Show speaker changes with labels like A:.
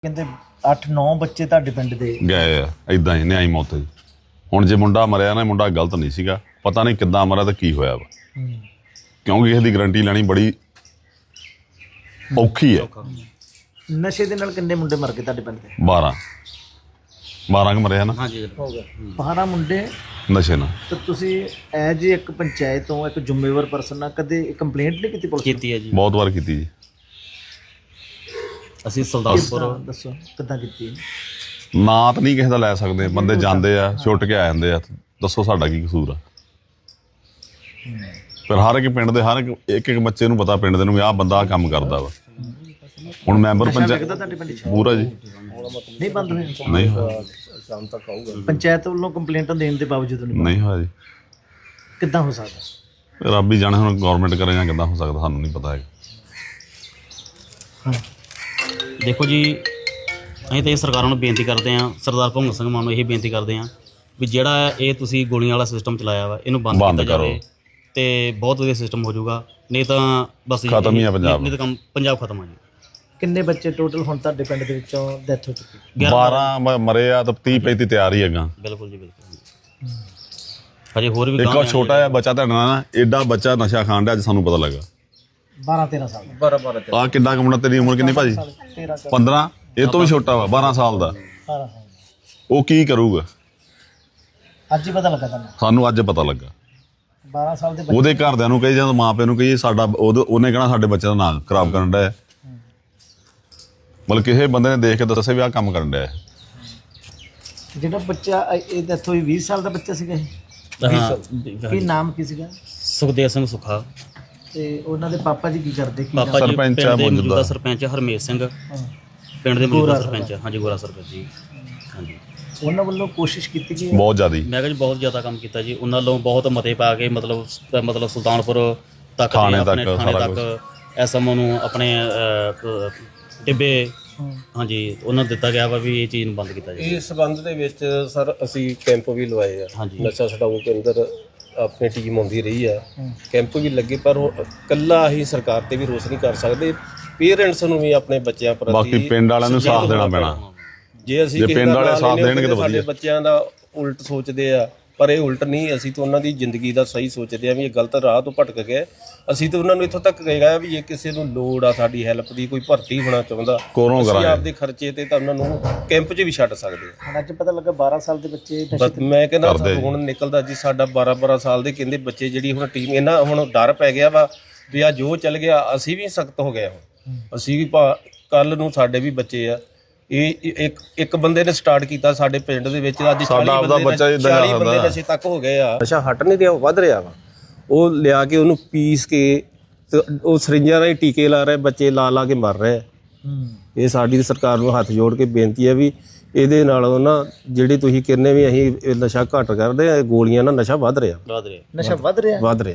A: ਕਹਿੰਦੇ 8-9 ਬੱਚੇ ਤੁਹਾਡੇ ਪਿੰਡ ਦੇ
B: ਗਏ ਆ ਇਦਾਂ ਹੀ ਨਿਆਈ ਮੌਤ ਜੀ। ਹੁਣ ਜੇ ਮੁੰਡਾ ਮਰਿਆ ਨਾ, ਮੁੰਡਾ ਗਲਤ ਨਹੀਂ ਸੀਗਾ, ਪਤਾ ਨਹੀਂ ਕਿੱਦਾਂ ਮਰਿਆ ਤੇ ਕੀ ਹੋਇਆ ਵਾ, ਕਿਉਂਕਿ ਇਸ ਦੀ ਗਰੰਟੀ ਲੈਣੀ ਬੜੀ ਔਖੀ ਹੈ।
A: ਨਸ਼ੇ ਦੇ ਨਾਲ ਕਿੰਨੇ ਮੁੰਡੇ ਮਰ ਗਏ ਤੁਹਾਡੇ ਪਿੰਡ ਦੇ?
B: 12 ਕੁ ਮਰਿਆ ਨਾ।
A: ਹਾਂਜੀ ਹੋ ਗਿਆ 12 ਮੁੰਡੇ
B: ਨਸ਼ੇ ਨਾਲ।
A: ਤਾਂ ਤੁਸੀਂ ਐਜ ਇੱਕ ਪੰਚਾਇਤ ਤੋਂ ਇੱਕ ਜ਼ਿੰਮੇਵਾਰ ਪਰਸਨ ਨਾਲ ਕਦੇ ਕੰਪਲੇਂਟ ਨਹੀਂ ਕੀਤੀ ਪੁਲਿਸ
C: ਕੀਤੀ ਹੈ ਜੀ,
B: ਬਹੁਤ ਵਾਰ ਕੀਤੀ ਜੀ।
C: ਅਸੀਂ ਸੁਲਤਾਨਪੁਰ
A: ਦੱਸੋ ਕਿੱਦਾਂ ਕੀਤੀ?
B: ਨਾਂ ਤਾਂ ਨਹੀਂ ਕਿਸੇ ਦਾ ਲੈ ਸਕਦੇ, ਬੰਦੇ ਜਾਂਦੇ ਆ ਛੁੱਟ ਕੇ ਆ ਜਾਂਦੇ ਆ, ਦੱਸੋ ਸਾਡਾ ਕੀ ਕਸੂਰ ਆ? ਫਿਰ ਹਰ ਇੱਕ ਪਿੰਡ ਦੇ ਹਰ ਇੱਕ ਬੱਚੇ ਨੂੰ ਪਤਾ, ਪਿੰਡ ਦੇ ਨੂੰ ਵੀ ਆਹ ਬੰਦਾ ਆਹ ਕੰਮ ਕਰਦਾ ਵਾ। ਹੁਣ ਮੈਂਬਰ ਪੰਚਾਇਤ
A: ਤੁਹਾਡੇ ਪਿੰਡ 'ਚ
B: ਪੂਰਾ ਜੀ
A: ਨਹੀਂ ਬੰਦ ਹੋਏ?
B: ਨਹੀਂ ਹੋਇਆ,
A: ਪੰਚਾਇਤ ਵੱਲੋਂ ਕੰਪਲੇਂਟਾਂ ਦੇਣ ਦੇ ਬਾਵਜੂਦ
B: ਨਹੀਂ ਹੋਇਆ ਜੀ।
A: ਕਿੱਦਾਂ ਹੋ ਸਕਦਾ?
B: ਰੱਬ ਹੀ ਜਾਣੇ ਹੁਣ ਗਵਰਨਮੈਂਟ ਕਰੇ ਜਾਂ ਕਿੱਦਾਂ ਹੋ ਸਕਦਾ, ਸਾਨੂੰ ਨਹੀਂ ਪਤਾ ਹੈਗਾ।
C: ਦੇਖੋ ਜੀ, ਅਸੀਂ ਤਾਂ ਇਹ ਸਰਕਾਰਾਂ ਨੂੰ ਬੇਨਤੀ ਕਰਦੇ ਹਾਂ, ਸਰਦਾਰ ਭਗਵੰਤ ਸਿੰਘ ਮਾਨ ਨੂੰ ਇਹ ਬੇਨਤੀ ਕਰਦੇ ਹਾਂ ਵੀ ਜਿਹੜਾ ਇਹ ਤੁਸੀਂ ਗੋਲੀਆਂ ਵਾਲਾ ਸਿਸਟਮ ਚਲਾਇਆ ਵਾ, ਇਹਨੂੰ ਬੰਦ ਕੀਤਾ ਜਾਵੇ ਤੇ ਬਹੁਤ ਵਧੀਆ ਸਿਸਟਮ ਹੋ ਜਾਊਗਾ। ਨਹੀਂ ਤਾਂ ਬਸ
B: ਖਤਮ ਹੀ ਆ ਪੰਜਾਬ।
C: ਨਹੀਂ ਤਾਂ ਪੰਜਾਬ ਖਤਮ ਆ ਜੀ।
A: ਕਿੰਨੇ ਬੱਚੇ ਟੋਟਲ ਹੁਣ ਤੁਹਾਡੇ ਪਿੰਡ ਦੇ ਵਿੱਚੋਂ ਡੈਥ ਹੋ ਚੁੱਕੀ?
B: 12 ਮਰੇ ਆ ਤਾਂ 30-35 ਤਿਆਰ ਹੀ ਹੈਗਾ।
C: ਬਿਲਕੁਲ ਜੀ, ਬਿਲਕੁਲ। ਹਜੇ ਹੋਰ ਵੀ
B: ਇੱਕ ਛੋਟਾ ਜਿਹਾ ਬੱਚਾ ਤੁਹਾਡਾ ਨਾ, ਐਡਾ ਬੱਚਾ ਨਸ਼ਾ ਖਾਣ ਡਿਆ, ਅੱਜ ਸਾਨੂੰ ਪਤਾ ਲੱਗਾ।
A: 12-13 ਸਾਲ 12
B: ਆ ਕਿੱਡਾ ਕੁ ਮੁੰਡਾ? ਤੇਰੀ ਉਮਰ ਕਿੰਨੀ ਭਾਜੀ? 15? ਇਹ ਤੋਂ ਵੀ ਛੋਟਾ ਵਾ, 12 ਸਾਲ ਦਾ। ਉਹ ਕੀ ਕਰੂਗਾ?
A: ਅੱਜ ਹੀ ਪਤਾ ਲੱਗਾ ਤੁਹਾਨੂੰ?
B: ਸਾਨੂੰ ਅੱਜ ਪਤਾ ਲੱਗਾ।
A: 12 ਸਾਲ ਦੇ ਬੱਚੇ
B: ਉਹਦੇ ਘਰਦਿਆਂ ਨੂੰ ਕਹੀ ਜਾਂ ਮਾਂ ਪਿਓ ਨੂੰ ਕਹੀ, ਸਾਡਾ ਉਹਨੇ ਕਹਿਣਾ ਸਾਡੇ ਬੱਚੇ ਦਾ ਨਾਂ ਖਰਾਬ ਕਰਨ ਡਿਆ। ਮਤਲਬ ਕਿਸੇ ਬੰਦੇ ਨੇ ਦੇਖ ਕੇ ਦੱਸਿਆ ਵੀ ਆਹ ਕੰਮ ਕਰਨ ਡਿਆ।
A: ਜਿਹੜਾ ਬੱਚਾ ਇਹ ਡੈਥ ਹੋਈ 20 ਸਾਲ ਦਾ ਬੱਚਾ ਸੀਗਾ ਇਹ? ਕੀ ਨਾਮ ਕੀ ਸੀਗਾ?
C: ਸੁਖਦੇਵ ਸਿੰਘ ਸੁੱਖਾ।
A: ਤੇ ਉਹਨਾਂ ਦੇ ਪਾਪਾ ਜੀ ਕੀ ਕਰਦੇ? ਕੀ
C: ਪਾਪਾ ਜੀ
B: ਸਰਪੰਚ
C: ਪਿੰਡ
B: ਆ,
C: ਦੇ
B: ਮੌਜੂਦਾ
C: ਮੌਜੂਦਾ ਸਰਪੰਚ ਹਰਮੇਸ਼ ਸਿੰਘ, ਪਿੰਡ ਦੇ ਮੌਜੂਦਾ ਸਰਪੰਚ। ਹਾਂਜੀ, ਗੋਰਾ ਸਰਪੰਚ ਜੀ। ਹਾਂਜੀ,
A: ਉਹਨਾਂ ਵੱਲੋਂ ਕੋਸ਼ਿਸ਼ ਕੀਤੀ ਗਈ?
B: ਬਹੁਤ ਜ਼ਿਆਦੀ।
C: ਮੈਂ ਕਿਹਾ ਜੀ ਬਹੁਤ ਜ਼ਿਆਦਾ ਕੰਮ ਕੀਤਾ ਜੀ ਉਹਨਾਂ ਵੱਲੋਂ, ਬਹੁਤ ਮਤੇ ਪਾ ਕੇ ਮਤਲਬ ਸੁਲਤਾਨਪੁਰ ਤੱਕ
B: ਥਾਣੇ
C: ਆਪਣੇ
B: ਤੱਕ,
C: ਥਾਣੇ
B: ਸਾਰਾ
C: ਤੱਕ ਐਸਐਮਓ ਨੂੰ ਆਪਣੇ ਟਿੱਬੇ, ਹਾਂਜੀ, ਉਹਨਾਂ ਨੂੰ ਦਿੱਤਾ ਗਿਆ ਵਾ ਵੀ ਇਹ ਚੀਜ਼ ਨੂੰ ਬੰਦ ਕੀਤਾ ਜਾਵੇ।
D: ਇਸ ਸੰਬੰਧ ਦੇ ਵਿੱਚ ਸਰ ਅਸੀਂ ਕੈਂਪ ਵੀ ਲਵਾਏ ਆ।
C: ਹਾਂਜੀ।
D: ਨਸ਼ਾ ਛਡਾਊ ਕੇਂਦਰ ਆਪਣੀ ਟੀਮ ਆਉਂਦੀ ਰਹੀ ਆ, ਕੈਂਪ ਵੀ ਲੱਗੇ, ਪਰ ਇਕੱਲਾ ਅਸੀਂ ਸਰਕਾਰ ਤੇ ਵੀ ਰੋਸ ਨਹੀਂ ਕਰ ਸਕਦੇ। ਪੇਰੈਂਟਸ ਨੂੰ ਵੀ ਆਪਣੇ ਬੱਚਿਆਂ ਪ੍ਰਤੀ,
B: ਬਾਕੀ ਪਿੰਡ ਵਾਲਿਆਂ ਨੂੰ ਸਾਥ ਦੇਣਾ ਪੈਣਾ।
D: ਜੇ ਅਸੀਂ
B: ਜੇ ਪਿੰਡ ਵਾਲੇ ਸਾਥ ਦੇਣਗੇ ਤਾਂ
D: ਸਾਡੇ
B: ਵਧੀਆ।
D: ਬੱਚਿਆਂ ਦਾ ਉਲਟ ਸੋਚਦੇ ਆ, ਪਰ ਇਹ ਉਲਟ ਨਹੀਂ। ਅਸੀਂ ਤਾਂ ਉਹਨਾਂ ਦੀ ਜ਼ਿੰਦਗੀ ਦਾ ਸਹੀ ਸੋਚਦੇ ਆ ਵੀ ਇਹ ਗਲਤ ਰਾਹ ਤੋਂ ਭਟਕ ਗਏ। ਅਸੀਂ ਤਾਂ ਉਹਨਾਂ ਨੂੰ ਇੱਥੋਂ ਤੱਕ ਕਹੇਗਾ ਵੀ ਜੇ ਕਿਸੇ ਨੂੰ ਲੋੜ ਆ ਸਾਡੀ ਹੈਲਪ ਦੀ, ਕੋਈ ਭਰਤੀ ਹੋਣਾ ਚਾਹੁੰਦਾ, ਅਸੀਂ ਆਪਦੇ ਖਰਚੇ ਤੇ ਤਾਂ ਉਹਨਾਂ ਨੂੰ ਕੈਂਪ 'ਚ ਵੀ ਛੱਡ ਸਕਦੇ ਆ।
A: ਹੁਣ ਅੱਜ ਪਤਾ ਲੱਗਾ 12 ਸਾਲ ਦੇ ਬੱਚੇ
D: ਬਸ ਮੈਂ ਕਹਿੰਦਾ ਹੁਣ ਨਿਕਲਦਾ ਜੀ ਸਾਡਾ 12 ਸਾਲ ਦੇ ਕਹਿੰਦੇ ਬੱਚੇ, ਜਿਹੜੀ ਹੁਣ ਟੀਮ, ਇਹਨਾਂ ਹੁਣ ਡਰ ਪੈ ਗਿਆ ਵਾ ਵੀ ਆ ਜੋ ਚੱਲ ਗਿਆ। ਅਸੀਂ ਵੀ ਸਖਤ ਹੋ ਗਏ ਹੁਣ, ਅਸੀਂ ਵੀ ਕੱਲ ਨੂੰ ਸਾਡੇ ਵੀ ਬੱਚੇ ਆ। ਇਹ ਇੱਕ ਬੰਦੇ ਨੇ ਸਟਾਰਟ ਕੀਤਾ ਸਾਡੇ ਪਿੰਡ ਦੇ ਵਿੱਚ, ਅੱਜ 40 ਬੰਦੇ ਨਸ਼ੇ ਤੱਕ ਹੋ ਗਏ ਆ। ਨਸ਼ਾ ਹਟ ਨਹੀਂ ਰਿਹਾ, ਵੱਧ ਰਿਹਾ ਵਾ। ਉਹ ਲਿਆ ਕੇ ਉਹਨੂੰ ਪੀਸ ਕੇ ਤੇ ਉਹ ਸਰਿੰਜਾਂ ਰਾਹੀਂ ਟੀਕੇ ਲਾ ਰਹੇ, ਬੱਚੇ ਲਾ ਕੇ ਮਰ ਰਹੇ। ਇਹ ਸਾਡੀ ਸਰਕਾਰ ਨੂੰ ਹੱਥ ਜੋੜ ਕੇ ਬੇਨਤੀ ਹੈ ਵੀ ਇਹਦੇ ਨਾਲੋਂ ਨਾ, ਜਿਹੜੇ ਤੁਸੀਂ ਕਹਿੰਦੇ ਵੀ ਅਸੀਂ ਨਸ਼ਾ ਘੱਟ ਕਰਦੇ ਆ, ਗੋਲੀਆਂ ਨਾਲ ਨਸ਼ਾ ਵੱਧ ਰਿਹਾ।
A: ਨਸ਼ਾ ਵੱਧ ਰਿਹਾ।